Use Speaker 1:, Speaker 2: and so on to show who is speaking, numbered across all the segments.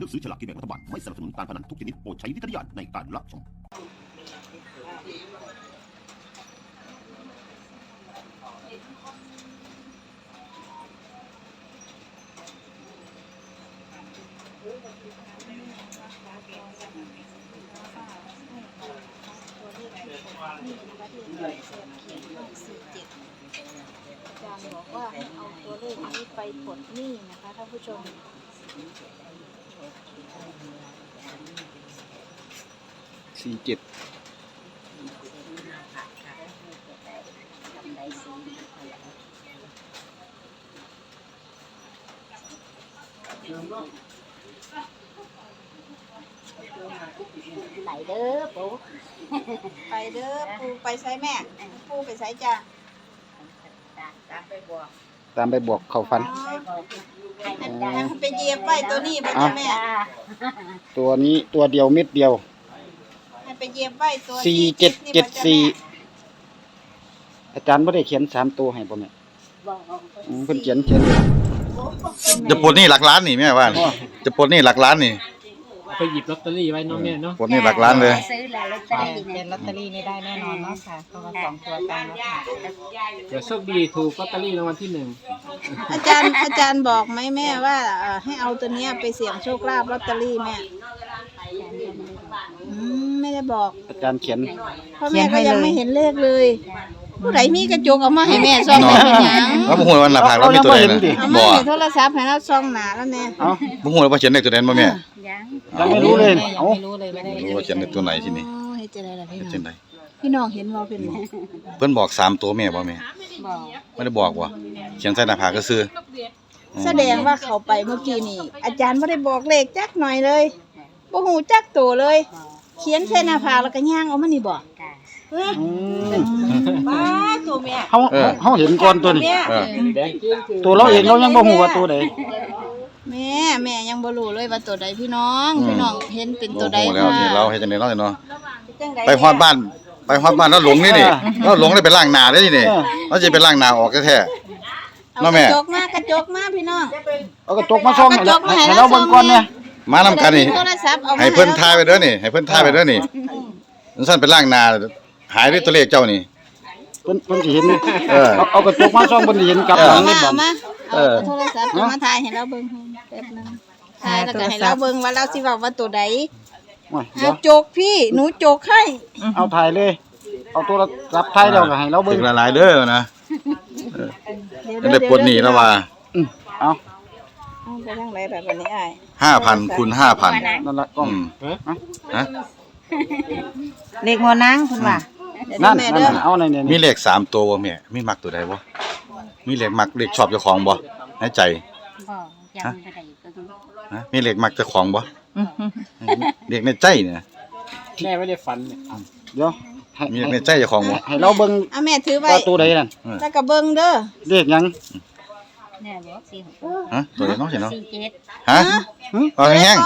Speaker 1: อกซื้อฉลากกินแบ่งรัฐบาลไม่สนับสนุนการพนันทุกชนิดโปรดใช้วิจารณญาณในการรับชม
Speaker 2: อาจารย์บอกว่าให้เอาตัวเลขนี้ไปปลดหนี้นะคะท่านผู้ชม
Speaker 3: 47
Speaker 4: ไหลเด้อปู
Speaker 2: ไปเด้อปูไปใช้แม่ปูไปใช้จ้ะ
Speaker 4: ตามไปบอก
Speaker 3: ตามไปบอกเข้าฝัน
Speaker 2: ให้ไปเหยียบไว้ตัวนี้ไปจ้ะแม่
Speaker 3: ตัวนี้ตัวเดียวเม็ดเดียว
Speaker 2: ให้ไปเหยียบไว้ตัวที่นี่ไปจ้ะแม่
Speaker 3: 4774อาจารย์บ่ได้เขียน3ตัวให้บ่แม่
Speaker 4: บอก
Speaker 3: เพิ่นเขียน
Speaker 5: จะปลดหนี้หลักล้านนี่แม่ว่าจะปลดหนี้หลักล้านนี่
Speaker 6: ไปหยิบลอตเตอรี่ไว้เนาะแม่เนาะ
Speaker 5: ปลดหนี้หลักล้านเลย
Speaker 4: ซื้อแล้วลอตเตอรี่
Speaker 7: เป็นลอตเตอรี่นี่ได้แน่นอนเนาะค่ะเพราะว่า2ตัวตามแล้วค่ะ
Speaker 6: เดี๋ยวโชคดีถูกลอตเตอรี่รางวัลที่
Speaker 2: อาจารย์บอกไหมแม่ว่าให้เอาตัวเนี้ยไปเสี่ยงโชคลาภลอตเตอรี่แม่ไม่ได้บอก
Speaker 3: อาจารย์เขียน
Speaker 2: เพราะแม่ก็ยังไม่เห็นเลขเลยผู้ใดมีกระจกเอามาให้แม่ส่องไปเป็นหยัง
Speaker 5: แล้วบ่ฮู้ว่าหน้าผากเรามีตัวใดนะ
Speaker 2: เอา
Speaker 5: บ่
Speaker 2: มาให้โทรศัพท์ให้เราส่องหน้าแล้วเนี่ย
Speaker 3: เอ้า
Speaker 5: บ่ฮู้ว่าเขียนเลขตัวใดบ่แม่
Speaker 4: ยัง
Speaker 3: ยังไม่รู้เลย
Speaker 7: ยัง
Speaker 3: เอ้า
Speaker 7: ไม่รู้เลยไม่ได้
Speaker 5: รู้ว่าเขียนเลขตัวไหนที่นี่
Speaker 2: โอ้เฮ็ดจังได๋ล่ะพี่
Speaker 5: เขียน
Speaker 2: น้อง
Speaker 5: ใด
Speaker 2: พี่น้องเห็นบ่เป็นบ่
Speaker 5: เพิ่นบอก3ตัวแม่บ่แม่
Speaker 4: บอก
Speaker 5: ไม่ได้บอกว่าเขียนใส่หน้าผากก็ซื่อ
Speaker 2: แสดงว่าเขาไปเมื่อกี้นี่อาจารย์บ่ได้บอกเลขจักหน่อยเลยบ่ฮู้จักตัวเลย เขียนใส่หน้าผากแล้วก็ย่างเอามานี่บ่
Speaker 4: ค่ะ
Speaker 3: อืม
Speaker 2: บ้าตัวแม่
Speaker 3: เฮาเห็นก่อนตัวนี้
Speaker 5: เออ
Speaker 6: 1แดงจริงคือ
Speaker 3: ตัวเราเองเรายังบ่ฮู้ว่าตัวใด
Speaker 2: แม่ยังบ่รู้เลยว่าตัวใดพี่น้องพี่น้องเห็นเป็นตัวใด
Speaker 5: โอ้โหแล้ว
Speaker 2: ค่ะ
Speaker 5: นี่เราเฮ็ดจังได๋เนาะเนาะ
Speaker 2: จังใด
Speaker 5: ไปฮอดบ้านแล้วหลงนี่แล้วหลงได้ไปล้างหน้าได้นี่เราจะไปล้างหน้าออกแท้ๆ เนาะแม่
Speaker 2: กระจกมาพี่น้อง
Speaker 3: เอากระจกมาส่องให้เราเบิ่งก่อนเนี่ย
Speaker 5: มานำกันนี่
Speaker 2: โทรศัพท์เอามา
Speaker 5: ให้เพิ่นถ่ายไปเด้อนี่ให้เพิ่นถ่ายไปเด้อนี่มันสั่นไปล้างหน้าหายด้วยตัวเลขเจ้านี่
Speaker 3: เพิ่นสิเห็น
Speaker 5: เออ
Speaker 3: เอากระจกมาส่องเพิ่นสิเห็นกลับหลังนี่บ่
Speaker 2: เอามา
Speaker 3: เออ
Speaker 2: โทรศัพท์เอามาถ่ายให้เราเบิ่งแป๊บนึงถ่ายแล้วก็ให้เราเบิ่งว่าเราสิเว้าว่าตัวใด
Speaker 3: โอ้ย
Speaker 2: เอาจกพี่หนูจกให้
Speaker 3: เอาถ่ายเลย เอาโทรศัพท์ถ่ายแล้วก็ให้เรา
Speaker 5: ถึ
Speaker 3: เบิ่ง
Speaker 5: งหลายๆเด้อนะได้ปลดหนี้แล้วว่า
Speaker 3: เอา
Speaker 2: เอาไปทางไหนแบบนี้อ้าย
Speaker 5: 5,000คูณ5,000
Speaker 3: นั่นล่ะกล้อง
Speaker 5: ฮะ
Speaker 7: เลขหัวนางคุณว่า
Speaker 2: เดี๋ยว
Speaker 3: นั่น
Speaker 2: แม่
Speaker 3: นั่
Speaker 2: เด้อน
Speaker 3: เอาในนี่
Speaker 5: มีเลข3ตัวบ่แม่มีมักตัวใดบ่มีเลขมักเลขชอบเจ้าของบ่ในใจ
Speaker 4: บอกยังไม่ได้ก็คือ
Speaker 5: ฮะมีเลขมักเจ้าของบ่เลขในใจเนี่ย
Speaker 6: แม่ไม่ได้ฝันเนี่ย
Speaker 3: เดี๋ยวให้
Speaker 5: มีเลขในใจเจ้าของบ่
Speaker 3: ให้เราเบิ่ง
Speaker 2: เอาแม่ถือไว้
Speaker 3: ว่าตัวใดนั่น
Speaker 2: แล้วก็เบิ่งเด้อ
Speaker 3: เลขหยัง
Speaker 4: แม่บอก46
Speaker 5: ฮะตัวใดเนาะสิเนาะ
Speaker 4: 47
Speaker 5: ฮะเอาแห้ง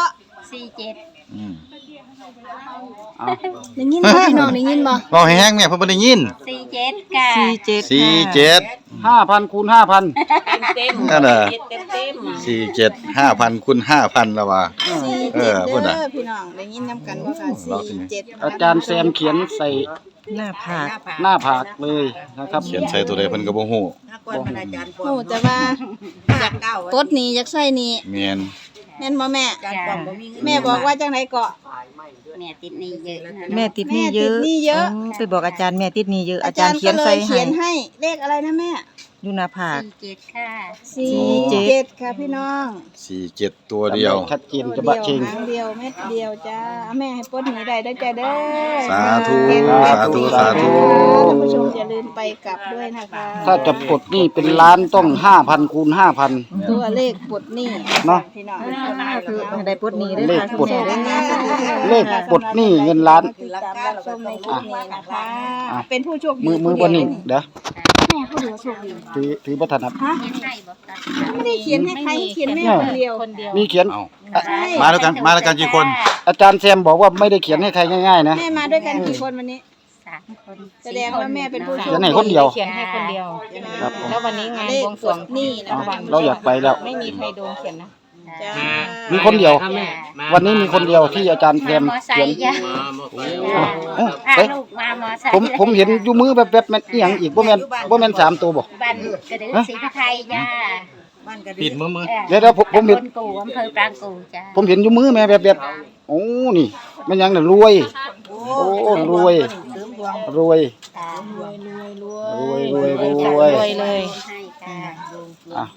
Speaker 4: 47
Speaker 5: อืม
Speaker 3: เอา
Speaker 2: ได้ยินบ่พี่น้องได้ยินบ่
Speaker 5: เว้าให้แห้งแม่เพิ่นบ่ได้ยิน
Speaker 4: 47ค่ะ
Speaker 5: 47
Speaker 3: 5,000คูณ5,000
Speaker 5: นั่นน่ะ47 5,000คูณ5,000แล้วว่า
Speaker 2: 47
Speaker 5: เออพูดน่ะ
Speaker 2: เด้อพี่น้องได้ยินนํกันบ่ค่ะ47
Speaker 3: อาจารย์แซมเขียนใส่
Speaker 7: หน้าผาก
Speaker 3: หน้าผากเลยนะครับ
Speaker 5: เขียนใส่ตัวใดเพิ่นก็บ่ฮู้
Speaker 2: โอ้แต่ว่าอยากปลดหนี้อยากใช้หนี้
Speaker 5: แม่น
Speaker 2: แม่นบ่แม่
Speaker 4: จ้ะ
Speaker 2: แม่บอกว่าจังไดเกาะ
Speaker 4: แม่ติดหนี้เยอะนะ
Speaker 7: แม่ติดหนี้เยอะ
Speaker 2: แม่ติดหนี้เยอะ
Speaker 7: ไปบอกอาจารย์แม่ติดหนี้เยอะ
Speaker 2: อา
Speaker 7: อา
Speaker 2: จา
Speaker 7: จาร ร
Speaker 2: ย์
Speaker 7: ย์
Speaker 2: ก็
Speaker 7: เขียน
Speaker 2: เล
Speaker 7: ใส่
Speaker 2: ยเขียนให้เลขอะไรนะแม่
Speaker 7: อยู่หน้าผาก
Speaker 4: 47ค่ะ
Speaker 2: 47ค่ะพี่น้อง
Speaker 5: 47ตัวเดียว
Speaker 3: ชัดเจนจะบะเชง
Speaker 2: หางเดียวเม็ดเดียวจ้าแม่ให้ปลดหนี้ได้เด้อจ้าเด้อ
Speaker 5: สาธุ
Speaker 2: เก็บ
Speaker 5: สาธุสาธุ
Speaker 2: ท่านผู้ชมอย่าลืมไปกลับด้วยนะคะ
Speaker 3: ถ้าจะปลดหนี้เป็นล้านต้อง5,000คูณ5,000
Speaker 2: ตัวเลขปลดหนี้
Speaker 3: เนาะ
Speaker 2: พี่น้อง
Speaker 7: คือได้ปลดหนี้ด้วย
Speaker 3: เลข
Speaker 7: ค่ะ
Speaker 3: ปลด
Speaker 7: คุณแม่
Speaker 3: เลขปลดหนี้เงินล้าน
Speaker 2: ติดตามรับชมในคลิปนี้นะคะ
Speaker 3: อ่ะ
Speaker 2: เป็นผู้โชคดี
Speaker 3: มือบนนี้เดี๋ยว
Speaker 2: แม่ผู้เดียวโชคดี
Speaker 3: ถือประธานับ
Speaker 4: เขียนให้บอกกัน
Speaker 2: ไม่ได้เขียนให้ใครเขียนแม่คนเดียว
Speaker 7: คนเดียว
Speaker 3: มีเขียน
Speaker 5: เอา
Speaker 2: ใช่
Speaker 5: มาแล้วกันกี่คน
Speaker 3: อาจารย์แซมบอกว่าไม่ได้เขียนให้ใครง่ายๆนะ
Speaker 2: แม่มาด้วยกันกี่คนวันนี้
Speaker 4: 3 คน
Speaker 2: แสดงว่าแม่เป็นผู้โช
Speaker 3: เขีย
Speaker 2: คน
Speaker 3: ให้คนเดียว
Speaker 7: เขียนให้คนเดียว
Speaker 3: ครับผม
Speaker 7: แล้ววันนี้งาน
Speaker 2: เลข
Speaker 7: บวงส
Speaker 2: ป
Speaker 7: ร
Speaker 2: ล
Speaker 7: วง
Speaker 2: ดหนี้นะ
Speaker 3: เอา
Speaker 2: คะ
Speaker 3: เราอยากไปแล้ว
Speaker 7: ไม่มีใครโดนเขียนนะ
Speaker 4: จ้
Speaker 2: จ้า
Speaker 3: มีคนเดียว
Speaker 6: ครับแม่มา
Speaker 3: วันนี้มีคนเดียวที่อาจารย์แซ
Speaker 4: มาม มอไซ
Speaker 3: เขียน
Speaker 4: ค์จ้ะ
Speaker 3: โอ้
Speaker 4: พา
Speaker 3: เอ๊ะ
Speaker 4: ลูกมามอไซค์
Speaker 3: ผมเห็นอยู่มือแบบๆมันอีหยังอีกบ่แม่น3ตัวบ่
Speaker 4: บ้านกระดึงศรีพระไทยจ้า
Speaker 5: ปิดมือ
Speaker 3: เดี๋ยวผมเห็น
Speaker 4: ตำบลกูอำเภอปรางกูจ้า
Speaker 3: ผมเห็นอยู่มือแม่แบบโอ้นี่มันหยังน่ะรวยโอ้รวย รวย
Speaker 4: ค่ะ
Speaker 3: รวย
Speaker 2: รวย
Speaker 3: รวยรวย
Speaker 2: เลย
Speaker 4: ให้ค่ะ
Speaker 3: อ่ะ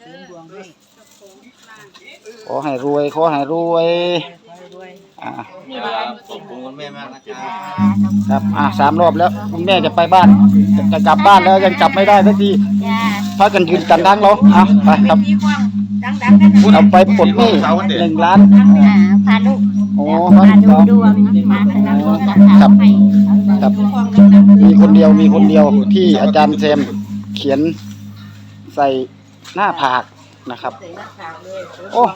Speaker 3: ขอให้รวยขอให้รวยอ่ะ
Speaker 5: ขอบคุณแม่มากนะครับ
Speaker 3: ครับ3 รอบแล้วคุณแม่จะไปบ้านจะกลับบ้านแล้วยังกลับไม่ได้สักที
Speaker 4: จ้า
Speaker 3: พากันยืนกันทางเราไปครับเอาไปปลดหนี้1 ล้าน
Speaker 4: พาลูก
Speaker 3: โอ้
Speaker 4: พา
Speaker 3: ค
Speaker 4: ดู
Speaker 3: รับ
Speaker 4: ดวงมาสนับสนุนกับ
Speaker 3: ครั
Speaker 4: เขา
Speaker 3: บ
Speaker 4: ให้
Speaker 3: ครับมีคนเดียวที่อาจารย์แซมเขียนใส่หน้าผากนะครับ โอ้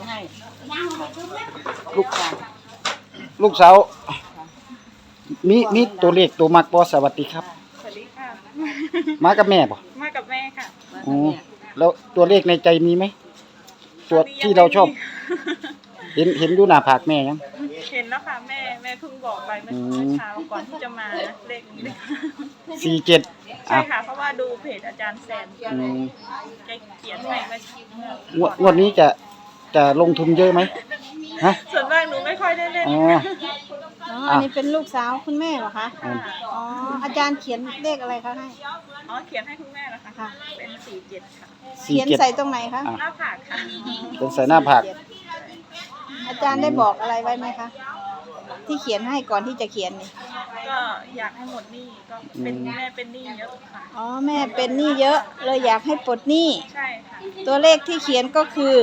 Speaker 3: ลูกสาวมีตัวเลขตัวมักบ่สวัสดีครับ
Speaker 7: สวัสดีค่ะ
Speaker 3: มากับแม่บ่
Speaker 7: มากับแม่ค่ะ
Speaker 3: อ๋อแล้วตัวเลขในใจมีไหมตัวที่เราชอบ เห็นอยู่หน้าผากแม่ยัง
Speaker 7: เห็นแล้วค่ะแม่เพิ่งบอกไปเมื่อเช้าก่อนที่จะมาเลขนี้
Speaker 3: 47
Speaker 7: ใช่ค่ะเพราะว่าดูเพจอาจารย์แซมแกเขียนให้เมื่อง
Speaker 3: วดนี้จะลงทุนเยอะไหมฮะ
Speaker 7: ส่วนมากหนูไม่ค่อยได้เล่น
Speaker 3: อ๋อ
Speaker 2: อ๋ออันนี้เป็นลูกสาวคุณแม่เหรอคะ
Speaker 3: อืม
Speaker 2: อ๋ออาจารย์เขียนเลขอะไรคะให้
Speaker 7: อ๋อเขียนให้คุณแม่นะคะ
Speaker 2: ค่ะ
Speaker 7: เป็น47ค่ะ
Speaker 2: เขียนใส่ตรงไหนคะ
Speaker 3: อ่ะ
Speaker 7: หน้าผากค่ะ
Speaker 3: เป็นใส่หน้าผาก
Speaker 2: อาจารย์ได้บอกอะไรไว้ไหมคะ ที่เขียนให้ก่อนที่จะเขียนนี่
Speaker 7: ก็อยากให้หมดหนี้ก็เป็นแม่เป็นหนี้เยอะค่ะ
Speaker 2: อ๋อแม่เป็นหนี้เยอะเลยอยากให้ปลดหนี้
Speaker 7: ใช่ค่ะ
Speaker 2: ตัวเลขที่เขียนก็คือ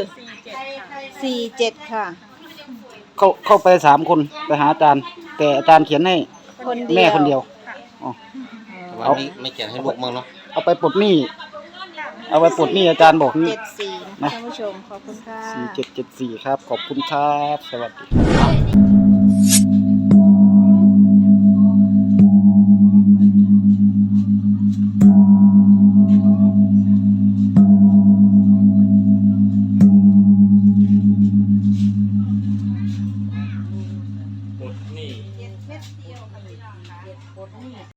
Speaker 7: 47ค่ะ
Speaker 2: 47 ค่ะ
Speaker 3: เข้าไป3 คนไปหาอาจารย์ แต่อาจารย์เขียนให้
Speaker 2: คนเดียว
Speaker 3: แม่คนเดียว
Speaker 7: ค่ะ
Speaker 3: อ๋อ
Speaker 5: วันนี้ไม่เขียนให้ลูกมั้งเนาะ
Speaker 3: เอาไปปลดหนี้เอาไปปลดหนี้อาจารย์บอกนี่
Speaker 2: 74นะท่านผู้ชมขอบคุณค่ะ
Speaker 3: 4774ครับ ขอบคุณครับ สวัสดี